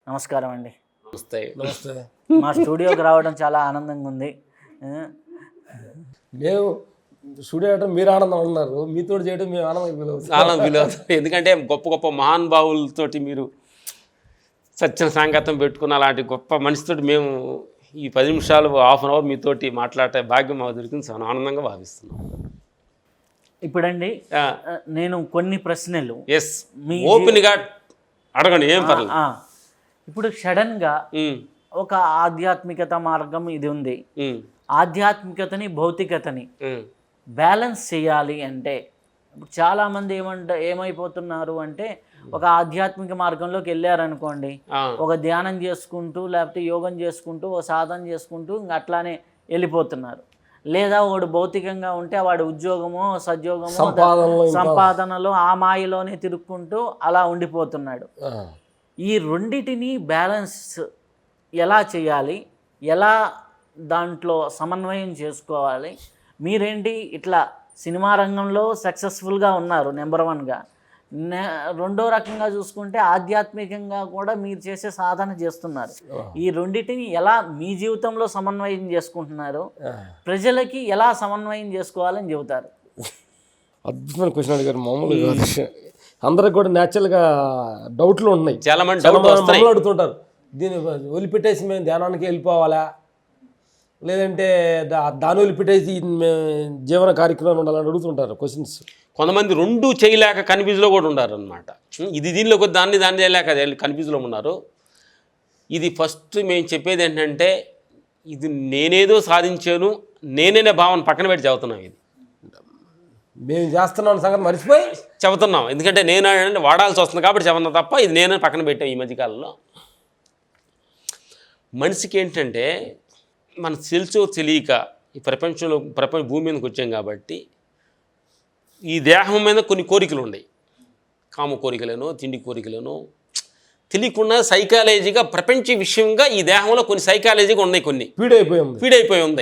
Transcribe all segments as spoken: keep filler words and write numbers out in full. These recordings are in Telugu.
నమస్కారం అండి. నమస్తే. నమస్తే. మా స్టూడియోకి రావడం చాలా ఆనందంగా ఉంది. మేము స్టూడియో చేయడం మీరు ఆనందం ఉన్నారు, మీతో చేయడం మేము ఆనందం ఫీల్ అవుతాం. ఆనందం ఫీల్ అవుతాం. ఎందుకంటే గొప్ప గొప్ప మహానుభావులతోటి మీరు సత్యం సాంగత్యం పెట్టుకున్న అలాంటి గొప్ప మనిషితోటి మేము ఈ పది నిమిషాలు హాఫ్ అన్ అవర్ మీతోటి మాట్లాడే భాగ్యం మాకు దొరికింది. చాలా ఆనందంగా భావిస్తున్నాం. ఇప్పుడండి నేను కొన్ని ప్రశ్నలు ఎస్ ఓపెన్గా అడగండి, ఏం పర్లేదు. ఇప్పుడు సడన్గా ఒక ఆధ్యాత్మికత మార్గం ఇది ఉంది. ఆధ్యాత్మికతని భౌతికతని బ్యాలెన్స్ చేయాలి అంటే ఇప్పుడు చాలామంది ఏమంట ఏమైపోతున్నారు అంటే ఒక ఆధ్యాత్మిక మార్గంలోకి వెళ్ళారనుకోండి, ఒక ధ్యానం చేసుకుంటూ లేకపోతే యోగం చేసుకుంటూ ఒక సాధన చేసుకుంటూ ఇంక అట్లానే వెళ్ళిపోతున్నారు. లేదా వాడు భౌతికంగా ఉంటే వాడి ఉద్యోగమో సద్యోగమో సంపాదనలో ఆ మాయలోనే తిరుక్కుంటూ అలా ఉండిపోతున్నాడు. ఈ రెండిటిని బ్యాలెన్స్ ఎలా చేయాలి, ఎలా దాంట్లో సమన్వయం చేసుకోవాలి? మీరేంటి ఇట్లా సినిమా రంగంలో సక్సెస్ఫుల్గా ఉన్నారు నెంబర్ వన్గా, రెండో రకంగా చూసుకుంటే ఆధ్యాత్మికంగా కూడా మీరు చేసే సాధన చేస్తున్నారు. ఈ రెండింటిని ఎలా మీ జీవితంలో సమన్వయం చేసుకుంటున్నారు, ప్రజలకి ఎలా సమన్వయం చేసుకోవాలని చెబుతారు? అద్భుతమైన క్వశ్చన్ అడిగారు. మామూలుగా అందరికి కూడా న్యాచురల్గా డౌట్లు ఉన్నాయి. చాలా మంది అడుగుతుంటారు, దీన్ని వదిలిపెట్టేసి మేము ధ్యానానికి వెళ్ళిపోవాలా, లేదంటే దా దాని వదిలిపెట్టేసి జీవన కార్యక్రమాలు ఉండాలని అడుగుతుంటారు క్వశ్చన్స్. కొంతమంది రెండు చేయలేక కన్ఫ్యూజ్లో కూడా ఉన్నారు అనమాట. ఇది దీనిలో కొద్ది దాన్ని దాన్ని చేయలేక కన్ఫ్యూజ్లో ఉన్నారు. ఇది ఫస్ట్ మేము చెప్పేది ఏంటంటే, ఇది నేనేదో సాధించాను నేనేనే భావన పక్కన పెట్టి చెబుతున్నాం. ఇది మేము చేస్తున్నాం సంగతి మర్చిపోయి చెబుతున్నాం. ఎందుకంటే నేను అంటే వాడాల్సి వస్తుంది కాబట్టి చెబుతున్నా తప్ప ఇది నేనే పక్కన పెట్టాం. ఈ మధ్యకాలంలో మనిషికి ఏంటంటే మన తెలుసో తెలియక ఈ ప్రపంచంలో ప్రపంచ భూమి మీదకి వచ్చాం కాబట్టి ఈ దేహం మీద కొన్ని కోరికలు ఉన్నాయి. కామ కోరికలను, తిండి కోరికలను తెలియకుండా సైకాలజీగా ప్రపంచ విషయంగా ఈ దేహంలో కొన్ని సైకాలజీగా ఉన్నాయి, కొన్ని ఫీడైపోయి ఫీడైపోయి ఉంది.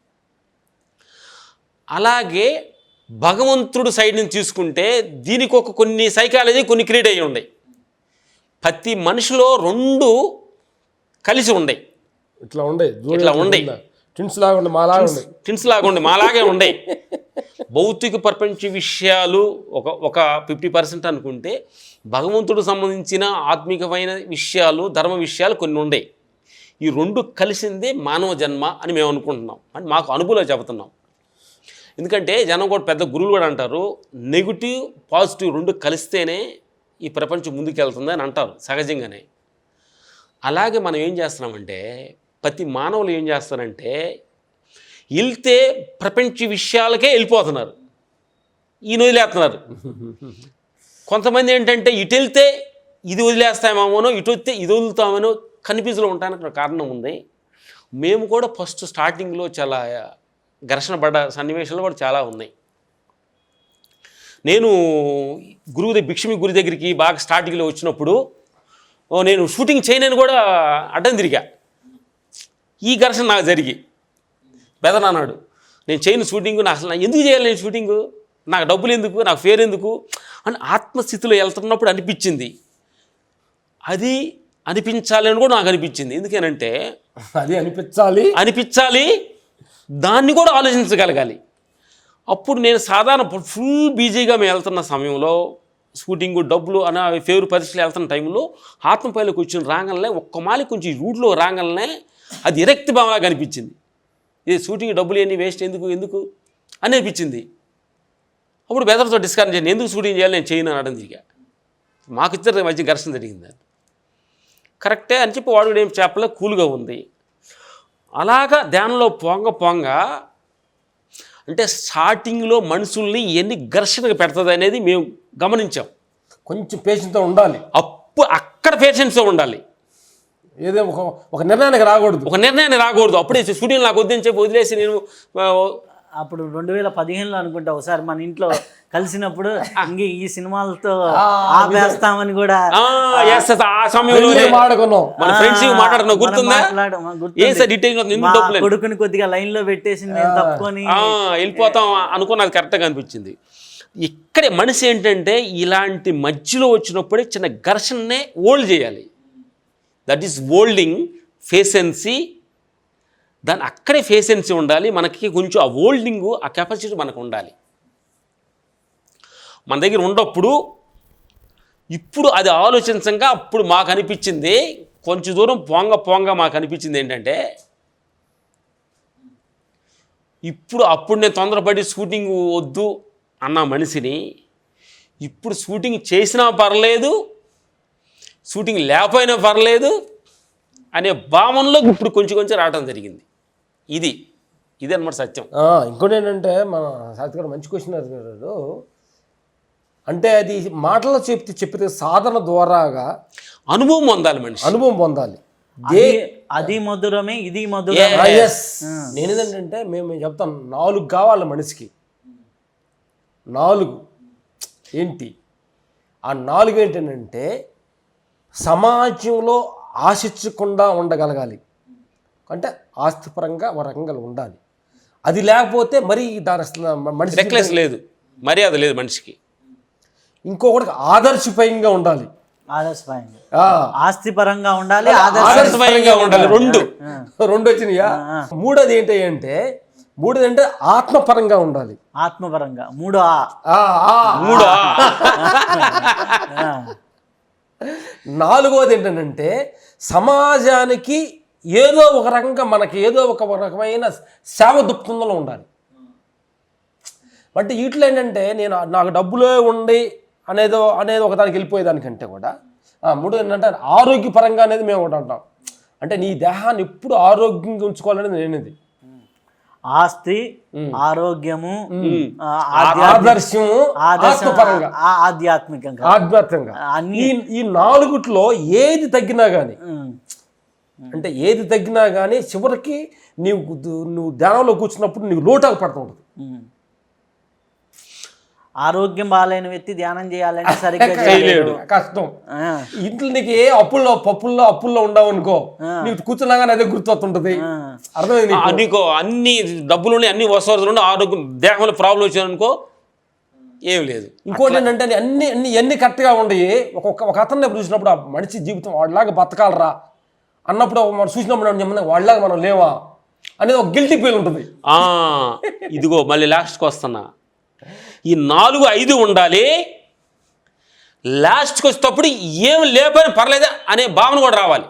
అలాగే భగవంతుడు సైడ్ నుంచి తీసుకుంటే దీనికి ఒక కొన్ని సైకాలజీ కొన్ని క్రియేట్ అయ్యి ఉన్నాయి. ప్రతి మనిషిలో రెండు కలిసి ఉన్నాయి. ఇట్లా ఉండే ఇట్లా ఉండే ట్విన్స్ లాగా ఉండే మాలాగా ఉండే ట్విన్స్ లాగా ఉండే మాలాగే ఉండే భౌతిక ప్రపంచ విషయాలు ఒక ఒక ఫిఫ్టీ పర్సెంట్ అనుకుంటే భగవంతుడికి సంబంధించిన ఆత్మికమైన విషయాలు, ధర్మ విషయాలు కొన్ని ఉన్నాయి. ఈ రెండు కలిసిందే మానవ జన్మ అని మేము అనుకుంటున్నాం, అని మాకు అనుభూతిలో చెబుతున్నాం. ఎందుకంటే జనం కూడా పెద్ద గురువులు కూడా అంటారు, నెగిటివ్ పాజిటివ్ రెండు కలిస్తేనే ఈ ప్రపంచం ముందుకు వెళ్తుంది అని అంటారు సహజంగానే. అలాగే మనం ఏం చేస్తున్నామంటే ప్రతి మానవులు ఏం చేస్తారంటే వెళ్తే ప్రపంచ విషయాలకే వెళ్ళిపోతున్నారు, ఈయన వదిలేస్తున్నారు. కొంతమంది ఏంటంటే ఇటు వెళ్తే ఇది వదిలేస్తామేమోనో, ఇటు వస్తే ఇది వదులుతామేనో కన్ఫ్యూజ్లో ఉండడానికి కారణం ఉంది. మేము కూడా ఫస్ట్ స్టార్టింగ్లో చాలా ఘర్షణ పడ్డ సన్నివేశాలు కూడా చాలా ఉన్నాయి. నేను గురువు దగ్గర భిక్షమి గురి దగ్గరికి బాగా స్టార్టింగ్లో వచ్చినప్పుడు నేను షూటింగ్ చేయనని కూడా అడ్డం తిరిగా. ఈ ఘర్షణ నాకు జరిగి బెదర్ అన్నాడు, నేను చేయను షూటింగ్, నా అసలు ఎందుకు చేయాలి నేను షూటింగు, నాకు డబ్బులు ఎందుకు, నాకు ఫేర్ ఎందుకు అని ఆత్మస్థితిలో వెళ్తున్నప్పుడు అనిపించింది. అది అనిపించాలని కూడా నాకు అనిపించింది. ఎందుకేనంటే అది అనిపించాలి అనిపించాలి దాన్ని కూడా ఆలోచించగలగాలి. అప్పుడు నేను సాధారణ ఫుల్ బిజీగా మేము వెళ్తున్న సమయంలో షూటింగు డబ్బులు అనే ఫేవర్ పరిస్థితులు వెళ్తున్న టైంలో ఆత్మపైలోకి వచ్చిన రాగలనే ఒక్క మాలి కొంచెం రూట్లో రాగలనే అది విరక్తి భావనగా అనిపించింది. ఇది షూటింగ్ డబ్బులు ఏంటి వేస్ట్ ఎందుకు ఎందుకు అని అనిపించింది. అప్పుడు బెదర్తో డిస్కస్ చేయండి, ఎందుకు షూటింగ్ చేయాలి నేను చేయను అనడం తిరిగా. మాకు ఇద్దరు మధ్య ఘర్షణ జరిగింది. కరెక్టే అని చెప్పి వాడు ఏం చెప్పలే, కూల్గా ఉంది. అలాగా ధ్యానంలో పొంగ పొంగ అంటే స్టార్టింగ్లో మనుషుల్ని ఎన్ని ఘర్షణకు పెడుతుంది అనేది మేము గమనించాం. కొంచెం పేషెన్స్తో ఉండాలి. అప్పు అక్కడ పేషెన్స్తో ఉండాలి. ఏదో ఒక ఒక నిర్ణయానికి రాకూడదు ఒక నిర్ణయాన్ని రాకూడదు అప్పుడే షూటింగ్ నాకు వద్దని చెప్పి వదిలేసి నేను అప్పుడు రెండు వేల పదిహేనులో అనుకుంటా ఒకసారి మన ఇంట్లో కలిసినప్పుడు ఇంక ఈ సినిమాలతో ఆపేస్తామని కూడా ఆ సమయంలో మాట్లాడుకున్నాం, గుర్తుందా? కొడుకుని కొద్దిగా లైన్ లో పెట్టేసి నేను తప్పుకొని వెళ్ళిపోతాం అనుకున్నది కరెక్ట్గా అనిపించింది. ఇక్కడే మనిషి ఏంటంటే ఇలాంటి మధ్యలో వచ్చినప్పుడే చిన్న ఘర్షణనే ఓల్డ్ చేయాలి. That is holding patience. దాని అక్కడే ఫేసెన్సీ ఉండాలి. మనకి కొంచెం ఆ ఓల్డింగు ఆ కెపాసిటీ మనకు ఉండాలి. మన దగ్గర ఉన్నప్పుడు ఇప్పుడు అది ఆలోచించగా అప్పుడు మాకు అనిపించింది, కొంచెం దూరం పోంగ పోంగ మాకు అనిపించింది ఏంటంటే, ఇప్పుడు అప్పుడు నేను తొందరపడి షూటింగ్ వద్దు అన్న మనిషిని ఇప్పుడు షూటింగ్ చేసినా పర్లేదు, షూటింగ్ లేకపోయినా పర్లేదు అనే భావనలోకి ఇప్పుడు కొంచెం కొంచెం రావడం జరిగింది. ఇది ఇది అన్నమాట సత్యం. ఇంకోటి ఏంటంటే మన సాహిత్య గారు మంచి క్వశ్చన్ అడిగారు. అంటే అది మాటల్లో చెప్తే చెప్పితే సాధన ద్వారాగా అనుభవం పొందాలి మనిషి, అనుభవం పొందాలి. అది- అది మధురమే ఇది మధురమే. నేను ఏంటంటే మేము మేము చెప్తాం నాలుగు కావాలి మనిషికి. నాలుగు ఏంటి ఆ నాలుగు ఏంటంటే సమాజంలో ఆశించకుండా ఉండగలగాలి. అంటే ఆస్తిపరంగా ఒక రకంగా ఉండాలి. అది లేకపోతే మరి దాని మనిషి రెక్లెస్ లేదు, మర్యాద లేదు మనిషికి. ఇంకొకటి ఆదర్శపరంగా ఉండాలి. ఆదర్శపరంగా ఆ, ఆస్తిపరంగా ఉండాలి, ఆదర్శపరంగా ఉండాలి. రెండు రెండు వచ్చినాయా. మూడోది ఏంటి అంటే మూడోది అంటే ఆత్మపరంగా ఉండాలి. ఆత్మపరంగా మూడు ఆ ఆ, ఆ. మూడు ఆ. నాలుగోది ఏంటంటే సమాజానికి ఏదో ఒక రకంగా మనకి ఏదో ఒక రకమైన సేవ దృక్పథంలో ఉండాలి. అంటే వీటిలో ఏంటంటే నేను నాకు డబ్బులే ఉండి అనేదో అనేది ఒక దానికి వెళ్ళిపోయేదానికంటే కూడా మూడు ఏంటంటే ఆరోగ్యపరంగా అనేది మేము ఒకటి అంటాం. అంటే నీ దేహాన్ని ఎప్పుడు ఆరోగ్యంగా ఉంచుకోవాలనేది నేనేది. ఆస్తి, ఆరోగ్యము, ఆదర్శము, ఆత్మపరంగా, ఆధ్యాత్మికంగా, ఆధ్యాత్మికంగా అన్ని ఈ ఈ నాలుగుట్లో ఏది తగ్గినా కానీ అంటే ఏది తగ్గినా కానీ చివరికి నీవు నువ్వు ధ్యానంలో కూర్చున్నప్పుడు నీకు లోటాకు పడుతూ ఉంటుంది. ఆరోగ్యం బాగాలేని వ్యక్తి ధ్యానం చేయాలంటే సరిగ్గా చేయలేడు, చేయలేడు. కష్టం. ఇంట్లో నీకు ఏ అప్పుల్లో పప్పుల్లో అప్పుల్లో ఉండవు అనుకో, నీకు కూర్చున్నాగానే అదే గుర్తొస్తుంటది. అర్థమైంది నీకు అన్ని డబ్బులు ఉన్నాయి, అన్ని వసతులు ఉన్నాయి, ఆరోగ్యం దేహంలో ప్రాబ్లం వచ్చాయనుకో ఏం లేదు. ఇంకోటి ఏంటంటే అన్ని అన్ని అన్ని కరెక్ట్గా ఉండయి. ఒక్కొక్క ఒక అతన్ని చూసినప్పుడు ఆ మనిషి జీవితం వాడిలాగా బతకాలరా అన్నప్పుడు మనం చూసినప్పుడు వాళ్ళలాగా మనం లేవా అనేది ఒక గిల్టీ ఫీల్ ఉంటుంది. ఇదిగో మళ్ళీ లాస్ట్కి వస్తున్నా. ఈ నాలుగు ఐదు ఉండాలి. లాస్ట్కి వచ్చేటప్పుడు ఏం లేకపోయినా పర్లేదా అనే భావన కూడా రావాలి.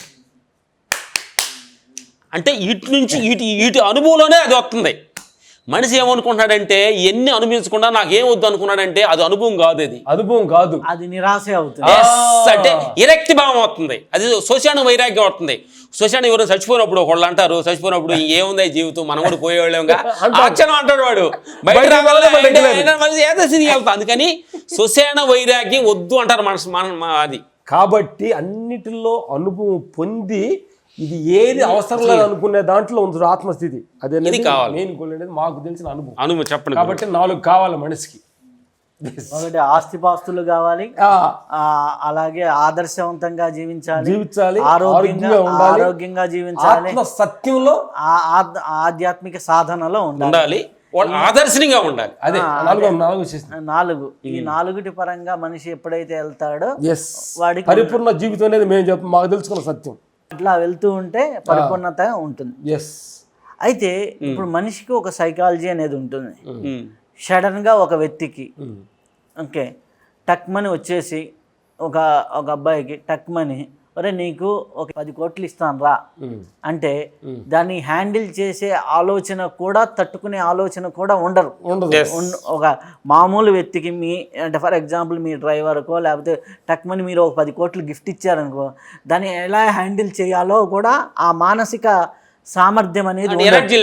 అంటే ఇటు నుంచి ఇటు ఇటు అనుభవంలోనే అది వస్తుంది. మనిషి ఏమనుకుంటున్నాడంటే ఎన్ని అనుభవించకుండా నాకేం వద్దు అనుకున్నాడంటే అది అనుభవం కాదు, అది అనుభవం కాదు, అది నిరాశ అవుతుంది. అంటే విరక్తి భావం అవుతుంది, అది శ్మశాన వైరాగ్యం అవుతుంది. శ్మశానం ఎవరు చచ్చిపోయినప్పుడు ఒకళ్ళు అంటారు, చచ్చిపోయినప్పుడు ఏముంది జీవితం మనం కూడా పోయేవాళ్ళంగా అచ్చనం అంటాడు వాడు, బయట వెళ్తాం. అందుకని శ్మశాన వైరాగ్యం వద్దు అంటారు మనసు మన అది. కాబట్టి అన్నిటిలో అనుభవం పొంది ఇది ఏది అవసరం లేదు అనుకునే దాంట్లో ఉంది ఆత్మస్థితి. అదే మెయిన్ గోల్ అనేది మాకు తెలిసిన అనుభవం. అనుభవం చెప్పండి. కాబట్టి నాలుగు కావాలి మనిషికి. ఒకటి ఆస్తిపాస్తులు కావాలి, అలాగే ఆదర్శవంతంగా జీవించాలి, జీవించాలి, ఆరోగ్యంగా ఆరోగ్యంగా జీవించాలి, సత్యంలో ఆధ్యాత్మిక సాధనలో ఉండాలి, ఆదర్శనీయంగా ఉండాలి. అదే నాలుగు నాలుగు ఈ నాలుగుటి పరంగా మనిషి ఎప్పుడైతే వెళ్తాడో వాడికి పరిపూర్ణ జీవితం అనేది మేము చెప్ప మాకు తెలుసుకున్న సత్యం. అట్లా వెళ్తూ ఉంటే పరిపూర్ణత ఉంటుంది. అయితే ఇప్పుడు మనిషికి ఒక సైకాలజీ అనేది ఉంటుంది. సడన్ గా ఒక వ్యక్తికి ఓకే టక్మని వచ్చేసి ఒక ఒక అబ్బాయికి టక్మని ఒరే నీకు ఒక పది కోట్లు ఇస్తాను రా అంటే దాన్ని హ్యాండిల్ చేసే ఆలోచన కూడా తట్టుకునే ఆలోచన కూడా ఉండరు. ఒక మామూలు వ్యక్తికి మీ అంటే ఫర్ ఎగ్జాంపుల్ మీ డ్రైవర్కో లేకపోతే టక్మని మీరు ఒక పది కోట్లు గిఫ్ట్ ఇచ్చారనుకో దాన్ని ఎలా హ్యాండిల్ చేయాలో కూడా ఆ మానసిక సామర్థ్యం అనేది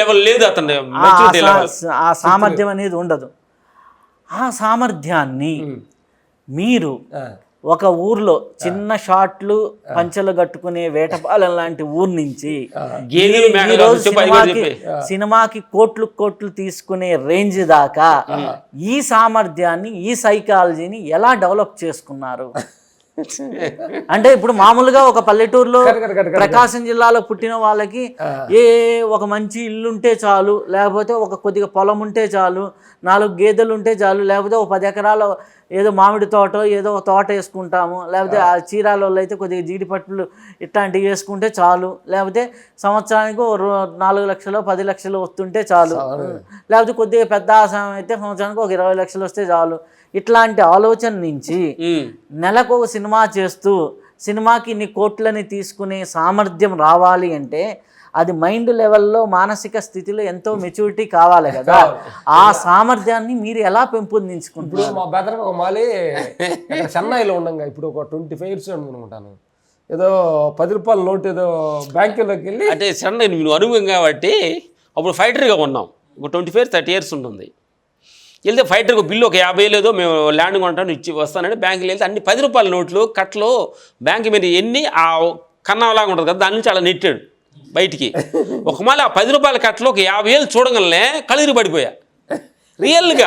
ఆ సామర్థ్యం అనేది ఉండదు. ఆ సామర్థ్యాన్ని మీరు ఒక ఊర్లో చిన్న షాట్లు పంచలు కట్టుకునే వేటపాలెం లాంటి ఊరు నుంచి సినిమాకి సినిమాకి కోట్లు కోట్లు తీసుకునే రేంజ్ దాకా ఈ సామర్థ్యాన్ని ఈ సైకాలజీని ఎలా డెవలప్ చేసుకున్నారు? అంటే ఇప్పుడు మామూలుగా ఒక పల్లెటూరులో కరెక్ట్, కరెక్ట్, కరెక్ట్. ప్రకాశం జిల్లాలో పుట్టిన వాళ్ళకి ఏ ఒక మంచి ఇల్లు ఉంటే చాలు, లేకపోతే ఒక కొద్దిగా పొలం ఉంటే చాలు, నాలుగు గేదెలు ఉంటే చాలు, లేకపోతే ఒక పది ఎకరాల ఏదో మామిడి తోట ఏదో ఒక తోట వేసుకుంటాము, లేకపోతే ఆ చీరాల వాళ్ళు అయితే కొద్దిగా జీడిపట్లు ఇట్లాంటివి వేసుకుంటే చాలు, లేకపోతే సంవత్సరానికి ఓ రో- నాలుగు లక్షలు పది లక్షలు వస్తుంటే చాలు, లేకపోతే కొద్దిగా పెద్ద ఆశయం అయితే సంవత్సరానికి ఒక ఇరవై లక్షలు వస్తే చాలు. ఇట్లాంటి ఆలోచన నుంచి ఉమ్, నెలకు ఒక సినిమా చేస్తూ సినిమాకి ఇన్ని కోట్లని తీసుకునే సామర్థ్యం రావాలి అంటే అది మైండ్ లెవెల్లో మానసిక స్థితిలో ఎంతో మెచ్యూరిటీ కావాలి కదా. ఆ సామర్థ్యాన్ని మీరు ఎలా పెంపొందించుకుంటారు? ఇప్పుడు మా బెదరకు ఒక మాలి ఇక్కడ చెన్నైలో ఉండంగా ఇప్పుడు ఒక ట్వంటీ ఫైవ్ ఇయర్స్ అనుకుంటాను, ఏదో పది రూపాయల నోట్ ఏదో బ్యాంకులోకి వెళ్ళి అంటే సడన్ నువ్వు అనుభవం కాబట్టి అప్పుడు ఫైటర్గా ఉన్నాం, ఒక ట్వంటీ ఫైవ్ థర్టీ ఇయర్స్ ఉంటుంది. వెళ్తే ఫైటర్కి బిల్లు ఒక యాభై లేదో మేము ల్యాండ్ కొంటాను ఇచ్చి వస్తానంటే బ్యాంకుకి వెళ్తే అన్ని పది రూపాయల నోట్లు కట్లో బ్యాంక్ మీద ఎన్ని ఆ కన్నాలాగా ఉంటుంది కదా దాని నుంచి అలా నెట్టాడు బయటికి. ఒక మాల ఆ పది రూపాయల కట్టలో ఒక యాభై ఏళ్ళు చూడగలనే కళీరు పడిపోయా రియల్గా.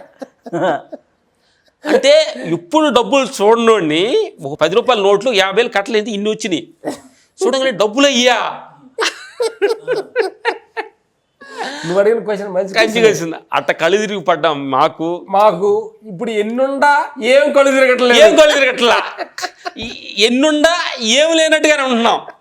అంటే ఇప్పుడు డబ్బులు చూడనోడిని ఒక పది రూపాయల నోట్లు యాభై వేలు కట్టలు ఏంటి ఇన్ని వచ్చినాయి చూడగానే డబ్బులు అయ్యా నువ్వు అడిగిన క్వశ్చన్ మంచి కంచి కలిసింది. అట్ట కళ్ళు తిరిగి పడ్డాం మాకు మాకు ఇప్పుడు ఎన్నుండా ఏం కళ్ళు తిరగట్లేదు, ఏం కళ్ళు తిరగట్లా, ఎన్నుండా ఏం లేనట్టుగానే ఉంటున్నాం.